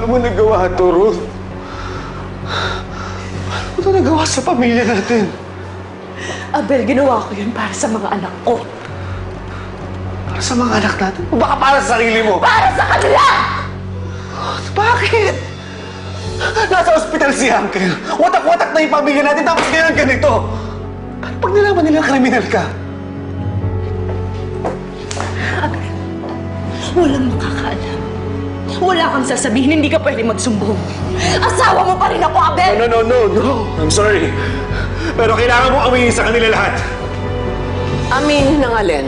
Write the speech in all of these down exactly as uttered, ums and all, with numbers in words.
Paano mo nagawa ito, Ruth? Paano mo ito nagawa sa pamilya natin? Abel, ginawa ko yun para sa mga anak ko. Para sa mga anak natin? O baka para sa sarili mo? Para sa kanila! Bakit? Nasa ospital si Uncle. Watak-watak na yung pamilya natin tapos ganyan ganito. Paano pag nalaman nila kriminal ka? Abel, walang makakaalam. Wala kang sasabihin, hindi ka pwede magsumbong. Asawa mo pa rin ako, Abel! No, no, no, no. I'm sorry. Pero kailangan mo aminin sa kanila lahat. Aminin ng alin?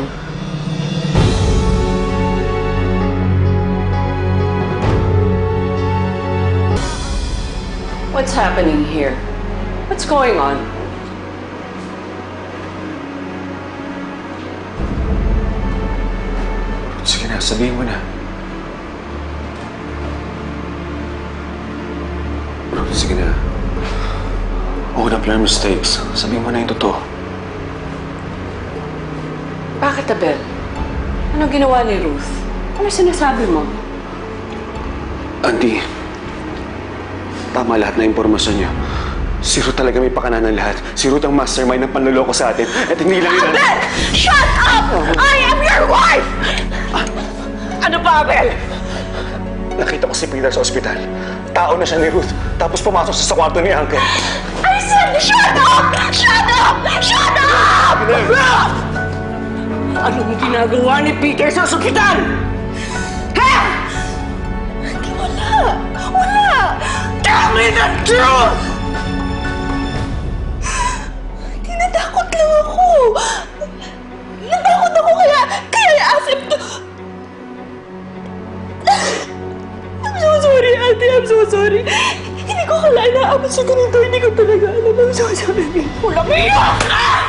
What's happening here? What's going on? Sige na, sabihin mo na. Sige na. Own up your mistakes. Sabihin mo na yung totoo. Bakit, Abel? Ano ginawa ni Ruth? Ano sinasabi mo? Andy, tama lahat na impormasyon niyo. Si Ruth talaga may pakananan lahat. Si Ruth ang mastermind ng panloloko sa atin. At hindi lang yun... Abel! Shut up! I am your wife! Ano pa, Abel? Nakita ko si Peter sa ospital. Tao na siya ni Ruth. Tapos pumasok siya sa kwarto ni Uncle. I said, shut up! Shut up! Shut up! Anong ginagawa ni Peter sa ospital? Ha? Hindi, wala. Wala! Tell me the truth! Tinatakot lang ako. Natakot ako kaya, kaya I asked him to... I'm so sorry, Ate. I'm so sorry. Hindi ko kalain na abot sa ganito. Hindi ko talaga alam. I'm so sorry. Walang iyak!